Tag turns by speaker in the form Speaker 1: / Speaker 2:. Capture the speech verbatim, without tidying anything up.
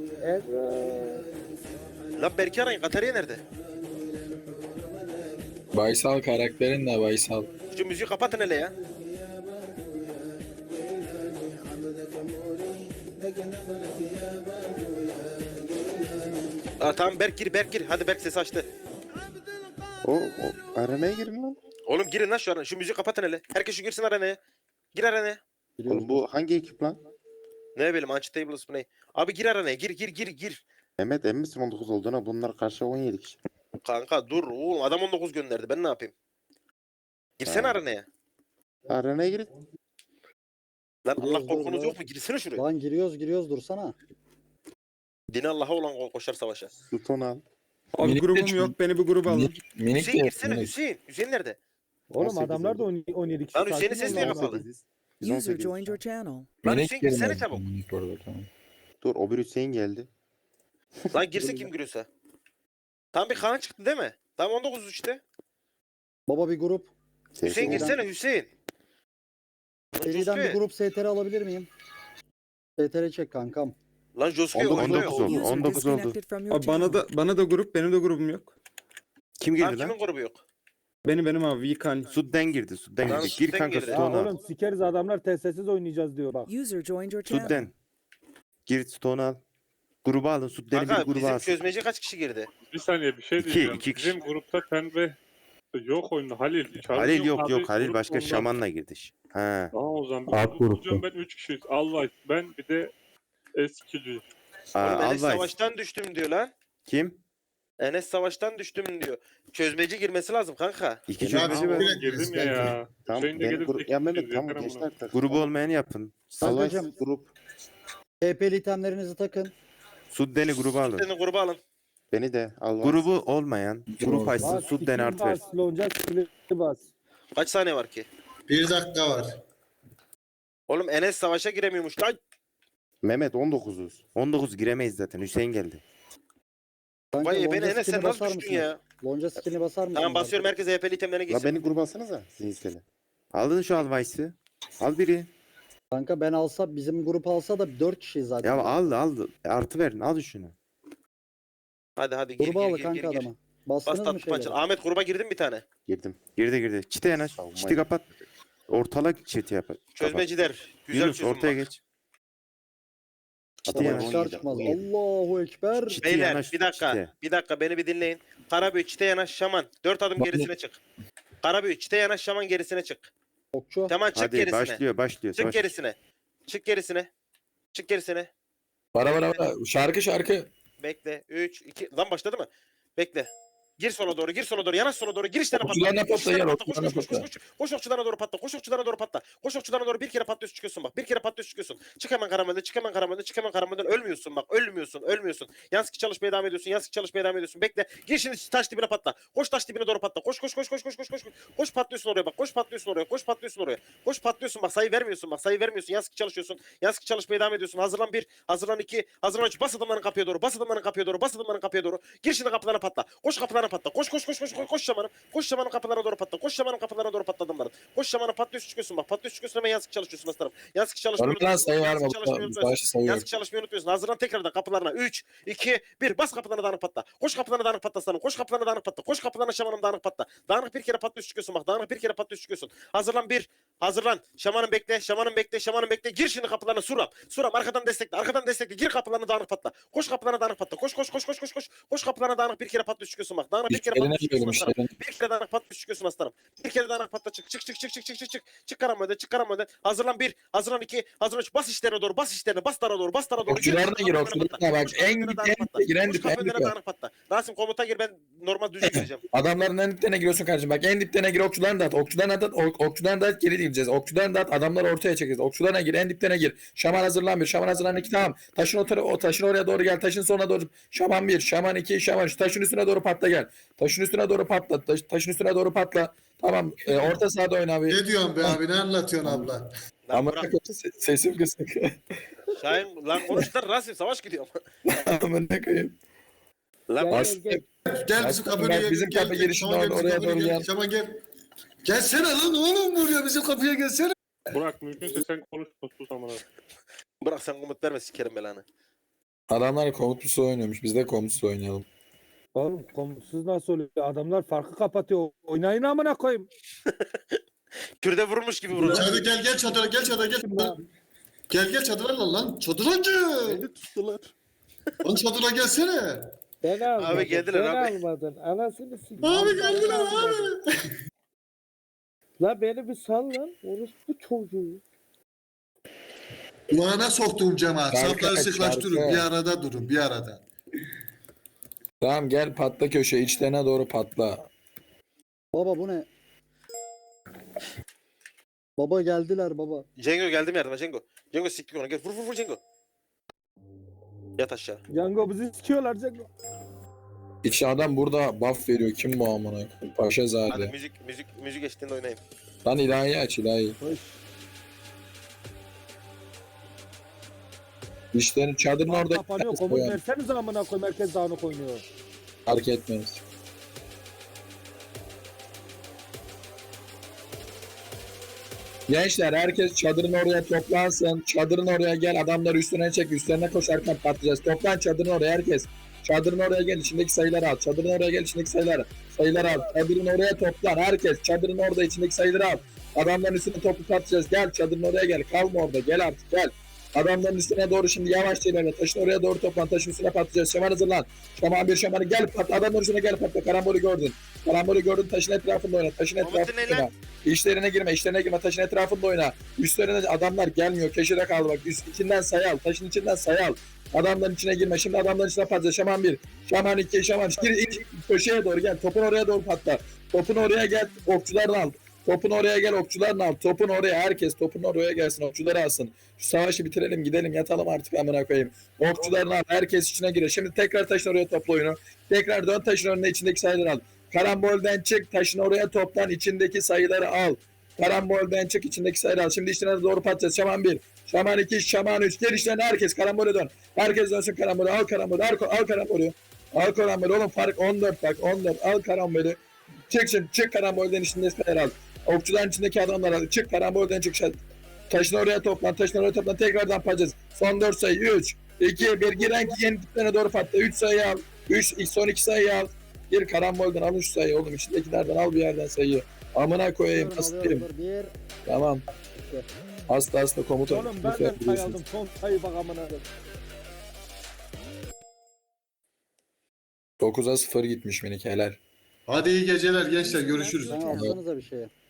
Speaker 1: Evet.
Speaker 2: Lan Berke arayın. Katarya nerede?
Speaker 3: Baysal karakterin de Baysal.
Speaker 2: Şu müziği kapatın hele ya. Aa, tamam Berk gir Berk gir. Hadi Berk ses açtı.
Speaker 4: O, o arenaya girin lan.
Speaker 2: Oğlum girin lan şu an. Şu müziği kapatın hele. Herkes şu girsin arenaya. Gir arenaya.
Speaker 4: Oğlum bu hangi ekip lan?
Speaker 2: Ne bileyim Unchitables mı ne? Abi gir arenaya. Gir gir gir gir.
Speaker 4: Mehmet emin misin on dokuz olduğuna? Bunlar karşı on yedi kişi.
Speaker 2: Kanka dur oğlum adam on dokuz gönderdi. Ben ne yapayım? Girsene
Speaker 4: Ha.
Speaker 2: arenaya.
Speaker 4: Arenaya girin.
Speaker 2: Lan Allah
Speaker 1: Giriyoruz,
Speaker 2: korkunuz
Speaker 1: dur,
Speaker 2: yok mu? Girsene şuraya.
Speaker 1: Lan giriyoruz giriyoruz dursana.
Speaker 2: Dini Allah'a olan ko- koşar savaşa.
Speaker 4: Suton al.
Speaker 5: Abi
Speaker 3: Minik
Speaker 5: grubum
Speaker 3: de-
Speaker 5: yok, beni bir gruba alın.
Speaker 3: Minik, minik
Speaker 2: Hüseyin
Speaker 3: de
Speaker 2: girsene
Speaker 3: minik.
Speaker 2: Hüseyin. Hüseyin nerede?
Speaker 6: Oğlum
Speaker 4: on sekiz
Speaker 6: adamlar da
Speaker 4: oldu.
Speaker 6: on- 17 kişi.
Speaker 2: Lan Hüseyin'in
Speaker 6: sakin
Speaker 2: sesi
Speaker 6: ol
Speaker 2: niye
Speaker 6: lan.
Speaker 2: kapalı?
Speaker 4: on sekiz. Biz on
Speaker 7: User
Speaker 4: sekiz.
Speaker 7: joined your channel.
Speaker 2: Lan
Speaker 3: Minik
Speaker 2: Hüseyin girsene
Speaker 3: girmez.
Speaker 2: çabuk.
Speaker 3: Minik orada, tamam.
Speaker 4: Dur o bir Hüseyin geldi.
Speaker 2: Lan girsin kim giriyorsa. Tam bir Kaan çıktı değil mi? Tam on dokuz işte.
Speaker 1: Baba bir grup.
Speaker 2: Hüseyin
Speaker 4: Sesini-
Speaker 2: girsene Hüseyin. Lan
Speaker 1: Seriden bir
Speaker 2: Josque.
Speaker 1: grup S T R alabilir miyim? S T R çek kankam.
Speaker 2: Lan Josque
Speaker 4: on dokuz
Speaker 2: oyunda
Speaker 4: oldu.
Speaker 2: yok.
Speaker 4: Oldu,
Speaker 7: User
Speaker 4: on dokuz oldu.
Speaker 7: disconnected from your
Speaker 5: Abi bana
Speaker 7: channel.
Speaker 5: da bana da grup, benim de grubum yok.
Speaker 4: Kim
Speaker 2: Lan
Speaker 4: girdi
Speaker 2: kimin
Speaker 4: lan?
Speaker 2: grubu yok?
Speaker 5: Benim benim abi Vikan.
Speaker 4: Sudden girdi. Sudden
Speaker 2: Lan
Speaker 4: girdi. Gir
Speaker 2: Sudden
Speaker 4: kanka
Speaker 2: girdi.
Speaker 6: Ya
Speaker 4: Stone'a.
Speaker 6: oğlum sikeriz adamlar testsiz oynayacağız diyor bak.
Speaker 7: User joined your channel.
Speaker 4: Sudden. Gir Stone'a al. Gruba alın. Sudden'i bir
Speaker 2: Kanka
Speaker 4: gruba
Speaker 2: bizim
Speaker 4: alsın.
Speaker 2: çözmeci kaç kişi girdi?
Speaker 8: Bir saniye bir şey
Speaker 4: İki,
Speaker 8: diyeceğim.
Speaker 4: iki kişi.
Speaker 8: Bizim grupta pembe yok oyunda Halil. Çağrı
Speaker 4: Halil yok
Speaker 8: abi,
Speaker 4: yok. Halil
Speaker 8: grup
Speaker 4: başka
Speaker 8: ondan.
Speaker 4: şamanla girdi. Ha.
Speaker 8: Tamam o zaman.
Speaker 6: Alt
Speaker 8: Alt
Speaker 6: grupta.
Speaker 8: Ben üç kişiyiz. Allah ben bir de eskici.
Speaker 4: Aa,
Speaker 2: Oğlum Enes
Speaker 4: Alvay.
Speaker 2: savaştan düştüm diyor lan.
Speaker 4: Kim?
Speaker 2: Enes savaştan düştüm diyor. Çözmeci girmesi lazım kanka.
Speaker 4: İki
Speaker 9: Ya
Speaker 4: çözmeci
Speaker 9: abi,
Speaker 4: var.
Speaker 9: direkt-
Speaker 8: Girdim ya ya.
Speaker 4: Tamam.
Speaker 8: Hüseyin de
Speaker 4: Ben
Speaker 8: gelip
Speaker 4: grup... Ya Mehmet
Speaker 8: bekliyoruz,
Speaker 4: tamam
Speaker 8: yeter
Speaker 4: gençler.
Speaker 8: amına.
Speaker 4: tak- Grubu olmayanı yapın. Salay
Speaker 1: Kankacım.
Speaker 4: grup.
Speaker 1: T P'li itemlerinizi takın.
Speaker 4: Sudden'i gruba alın.
Speaker 2: Senin grubu alın.
Speaker 4: Beni de al. Grubu olmayan. Grup açsın.
Speaker 6: Bas,
Speaker 4: Sudden
Speaker 6: iki
Speaker 4: artı ver.
Speaker 6: bas, lonca skill'i bas.
Speaker 2: Kaç saniye var ki?
Speaker 9: Bir dakika var.
Speaker 2: Oğlum Enes savaşa giremiyormuş lan.
Speaker 4: Mehmet on dokuzuz. on dokuz giremeyiz zaten. Hüseyin geldi.
Speaker 1: Kanka,
Speaker 2: Vay
Speaker 1: lonca
Speaker 2: beni Enes sen
Speaker 1: skill'i
Speaker 2: nasıl
Speaker 1: basar
Speaker 2: düştün
Speaker 1: mısın?
Speaker 2: ya?
Speaker 1: Lonca skill'ini basar mısın?
Speaker 2: Tamam basıyorum herkes H P'li itemlerine
Speaker 4: La
Speaker 2: gitsin.
Speaker 4: beni gruba alsanıza. Zihinseli. Aldın şu Alvays'ı. Al biri.
Speaker 1: Kanka ben alsa bizim grup alsa da dört kişi zaten.
Speaker 4: Ya al al. Artı verin. Al şunu.
Speaker 2: Hadi hadi gir
Speaker 1: Gruba
Speaker 2: gir
Speaker 1: al
Speaker 2: gir
Speaker 1: kanka
Speaker 2: gir. gir.
Speaker 1: adamı. Bastınız
Speaker 2: Bas
Speaker 1: mı
Speaker 2: tatlı
Speaker 1: şeyleri?
Speaker 2: pançır. Ahmet gruba girdin bir tane.
Speaker 4: Girdim. Girdi girdi. Çite yanaş.
Speaker 9: Savunma
Speaker 4: Çiti kapat. Ortalık çiti yap. Kapat.
Speaker 2: Çözmeciler. Güzel
Speaker 4: Yunus
Speaker 2: çözüm
Speaker 4: ortaya
Speaker 2: bak.
Speaker 4: geç. Çiti
Speaker 1: Tamam,
Speaker 4: yanaş.
Speaker 1: çıkar çıkmaz. Allahu Ekber.
Speaker 4: Çiti
Speaker 2: Beyler
Speaker 4: yanaş,
Speaker 2: bir dakika.
Speaker 4: çite.
Speaker 2: Bir dakika beni bir dinleyin. Karabüyü çite yanaş şaman. Dört adım
Speaker 3: Bak-
Speaker 2: gerisine çık. Karabüyü çite yanaş şaman gerisine çık.
Speaker 1: Okçu.
Speaker 2: Tamam çık
Speaker 4: Hadi
Speaker 2: gerisine.
Speaker 4: başlıyor başlıyor.
Speaker 2: Çık
Speaker 4: Savaş.
Speaker 2: gerisine. Çık gerisine. Çık gerisine.
Speaker 3: Bara bara bara. Şarkı şarkı.
Speaker 2: Bekle. üç, iki. Lan başladı mı? Bekle. Gir sola doğru, gir sola doğru, yanaş sola doğru, gir işlerine patla.
Speaker 3: Okçularına
Speaker 2: Koş
Speaker 3: patla,
Speaker 2: işlerine
Speaker 3: gel,
Speaker 2: patla, koş,
Speaker 3: okçularına
Speaker 2: koş, koş,
Speaker 3: patla.
Speaker 2: koş, koş. Koş okçularına doğru patla, koş okçularına doğru patla. Koş okçularına doğru bir kere patlıyorsun çıkıyorsun bak. Bir kere patlıyorsun çıkıyorsun. Çık hemen karamelde, çık hemen karamelde, çık hemen karamelden. Ölmüyorsun bak, ölmüyorsun, ölmüyorsun. Yansık çalışmaya devam ediyorsun, yansık çalışmaya devam ediyorsun. Bekle. Gir şimdi taş dibine patla. Koş taş dibine doğru patla. Koş koş koş koş koş koş koş. Koş patlıyorsun oraya bak. Koş patlıyorsun oraya. Koş patlıyorsun oraya. Koş patlıyorsun bak. Sayı vermiyorsun bak. Sayı vermiyorsun. Yansık çalışıyorsun. Yansık çalışmaya devam ediyorsun. Hazırlan bir, hazırlan iki, hazırlan üç. Bas adımların kapıya doğru. Bas adımların kapıya doğru. Bas adımların kapıya doğru. Gir şimdi kapılarına patla. Koş kapılarına patla. Koş koş koş koş koş koş şamanım. Koş şamanın kapılarına doğru patla. Koş şamanın kapılarına doğru patla adımların. Koş şamanın patlıyorsun çıkıyorsun bak. Patlıyorsun çıkıyorsun hemen yansık çalışıyorsun aslanım. Yansık çalışmayı
Speaker 3: Var mı lan sayı var mı?
Speaker 2: Yansık çalışmayı unutmuyorsun.
Speaker 3: Savaşı sayıyor.
Speaker 2: Yansık çalışmayı unutmuyorsun. Hazırlan tekrardan kapılarına. üç, iki, bir. Bas kapılarına dağınık patla. Koş kapılarına dağınık patla aslanım. Koş kapılarına dağınık patla. Koş kapılarına şamanım dağınık patla. Dağınık bir kere patlıyorsun çıkıyorsun bak. Dağınık bir kere patlıyorsun çıkıyorsun. Hazırlan bir. Hazırlan. Şamanım bekle. Şamanım bekle. Şamanım bekle. Gir şimdi kapılarına Suram. Suram arkadan destekle. Arkadan destekle. Gir kapılarına dağınık patla. Koş kapılarına dağınık patla. Koş koş koş koş koş koş. Koş kapılarına dağınık bir kere patlıyorsun çıkıyorsun bak. Dağınık bir kere
Speaker 3: İşlerine
Speaker 2: patlıyorsun çıkıyorsun
Speaker 3: girelim
Speaker 2: aslanım.
Speaker 3: işlerine.
Speaker 2: Bir kere dağınık patlıyorsun çıkıyorsun aslanım. Bir kere dağınık patla çık çık çık çık çık çık çık çık. Çık karamölden çık karamölden. Hazırlan bir. Hazırlan iki. Hazırlan üç. Bas işlerine doğru. Bas işlerine. Bas dara doğru. Bas dara doğru.
Speaker 3: Okçularına gir, okçularına bak. En dip, en dip, giren
Speaker 2: Koş
Speaker 3: dip, en
Speaker 2: kapılarına
Speaker 3: dip.
Speaker 2: dağınık patla. Rasim komuta gir ben normal düzgün gireceğim.
Speaker 3: Adamların en diplerine giriyorsun kardeşim. Bak en diplerine gir, okçularına da at. Okçularına da at, ok- okçularına da at, geri diyeceğiz. Okçularına da at, adamları ortaya çekeceğiz. Okçularına gir, en diplerine gir. Şaman hazırlan bir, şaman hazırlan iki, tamam. Taşın o, tara- o taşın oraya doğru gel, taşın sonuna doğru. Şaman bir, şaman iki, şaman üç. Taşın üstüne doğru patla gel. Taşın üstüne doğru patla, taş, taşın üstüne doğru patla. Tamam, e, orta sahada oyna abi.
Speaker 9: Ne diyorsun be abi? Ne anlatıyorsun abla?
Speaker 2: Lan
Speaker 3: Ama
Speaker 2: bırak.
Speaker 3: sesim kısık.
Speaker 2: Şahin lan konuş lan Rasim savaş gidiyor.
Speaker 3: Amına koyayım.
Speaker 2: Lan
Speaker 6: Gel,
Speaker 3: Bas-
Speaker 6: gel, gel.
Speaker 9: Gel
Speaker 3: Bak,
Speaker 9: bizim kapıya
Speaker 3: bak, bizim
Speaker 9: gel.
Speaker 3: kapı
Speaker 9: gel,
Speaker 3: girişinde
Speaker 9: Şaman gel,
Speaker 3: orada,
Speaker 9: bizim
Speaker 3: oraya
Speaker 9: kapıya
Speaker 3: doğru
Speaker 9: gel.
Speaker 3: gel.
Speaker 9: Şaman gel. Gelsene lan oğlum buraya bizim kapıya gelsene.
Speaker 8: Burak mümkünse sen konuşma sus amına.
Speaker 2: bırak sen komut verme sikerim belanı.
Speaker 3: Adamlar komutsuz oynuyormuş. Biz de komutsuz oynayalım.
Speaker 6: Oğlum komutsuz nasıl oluyor? Adamlar farkı kapatıyor. Oynayın amına koyayım.
Speaker 2: Kürde vurmuş gibi vurdu.
Speaker 9: Hadi gel gel çadıra gel çadıra gel. Gel gel çadıra lan lan. Çadırancı.
Speaker 1: Beni tuttular.
Speaker 9: Lan çadıra gelsene.
Speaker 6: Ben almadım.
Speaker 2: geldiler
Speaker 6: ben
Speaker 2: abi.
Speaker 6: almadın. Anasını sikeyim.
Speaker 9: Abi geldiler abi.
Speaker 6: La beni bir sal lan. Orospu çocuğu.
Speaker 9: Kulağına soktuğum cemaat.
Speaker 3: Şarkı
Speaker 9: Safları
Speaker 3: aç,
Speaker 9: sıklaştırın.
Speaker 3: şarkı.
Speaker 9: Bir arada durun bir arada.
Speaker 3: Tamam gel patla köşe. İçlerine doğru patla.
Speaker 1: Baba bu ne? Baba geldiler baba.
Speaker 2: Cengo geldim yardıma Cengo. Cengo siktik onu. Gel vur vur vur Cengo. Yat aşağı.
Speaker 6: Django bizi sikiyorlar Django.
Speaker 3: İçi adam burada buff veriyor. Kim bu amına?
Speaker 2: Hadi
Speaker 3: Paşazade.
Speaker 2: müzik müzik müzik eşliğinde oynayayım.
Speaker 3: Lan ilahi aç ilahi.
Speaker 1: Hoş.
Speaker 3: İşlerin çadırın orada
Speaker 6: Kapanıyor. Komut versenize amına koyayım. Herkes dağınık oynuyor.
Speaker 3: fark etmez. Gençler herkes çadırın oraya toplansın. Çadırın oraya gel. Adamları üstüne çek. Üstlerine koşarken patlayacağız. Toplan çadırın oraya herkes. Çadırın oraya gel. İçindeki sayıları al. Çadırın oraya gel. İçindeki sayıları. Sayıları al. Çadırın oraya toplan. Herkes. Çadırın orada içindeki sayıları al. Adamların üstüne toplu patlayacağız. Gel çadırın oraya gel. Kalma orada. Gel artık gel. Adamların üstüne doğru şimdi yavaşça ilerle. Taşın oraya doğru toplan. Taşın üstüne patlayacağız. Şaman hazırlan. Şaman bir şamanı gel patla. Adamların üstüne gel patla. Karambolü gördün. Karambolü gördün. Taşın etrafında oyna. Taşın
Speaker 2: Muhammed
Speaker 3: etrafında
Speaker 2: ne lan?
Speaker 3: oyna. İşlerine girme. İşlerine girme. Taşın etrafında oyna. Üstlerine adamlar gelmiyor. Köşede kaldı bak. Üst içinden sayı al. Taşın içinden sayı al. Adamların içine girme. Şimdi adamların içine patlayacak. Şaman bir. Şaman iki. Şaman üç. Gir in, köşeye doğru gel. Topun oraya doğru patla. Topun oraya gel. Okçularını al. Topun oraya gel. Okçularını al. Topun oraya. Herkes topun oraya gelsin. Okçuları alsın. Şu savaşı bitirelim. Gidelim. Yatalım artık amına koyayım. Okçularını al. Herkes içine giriyor. Şimdi tekrar taşın oraya topla oyunu. Tekrar dön taşın önüne içindeki sayıları al. Karambolden çık. Taşın oraya toplan. İçindeki sayıları al. Karambolden çık. İçindeki sayıları al. Şimdi işlerine doğru patlayacağız. Şaman bir. Şaman iki. Şaman üç. Gel işlerine herkes. Karambole dön. Herkes dönsün karambole. Al karambole. Al, al karambole. Al karambole. Oğlum fark on dört bak. on dört. Al karambole. Çık şimdi. Çık karambolden içinde sayıları al. Okçuların içindeki adamlar al. Çık karambolden çık. Taşın oraya toplan. Taşın oraya toplan. Tekrardan patlayacağız. Son dört sayı. üç. iki. bir. Giren ki yeni tiplerine doğru patla. üç sayı al. üç. Son iki sayı al. Gir karambolden al üç sayı oğlum. İçindekilerden al bir yerden sayıyı. Amına koyayım.
Speaker 1: Alıyorum,
Speaker 3: Hastayım.
Speaker 1: alıyorum. Bir.
Speaker 3: Tamam. Hasta hasta komutan.
Speaker 6: Oğlum ben de sayı aldım. Son sayı bak amına koyayım.
Speaker 3: dokuza sıfır gitmiş minik helal.
Speaker 9: Hadi iyi geceler gençler görüşürüz.
Speaker 1: Sen alsanıza bir şeye.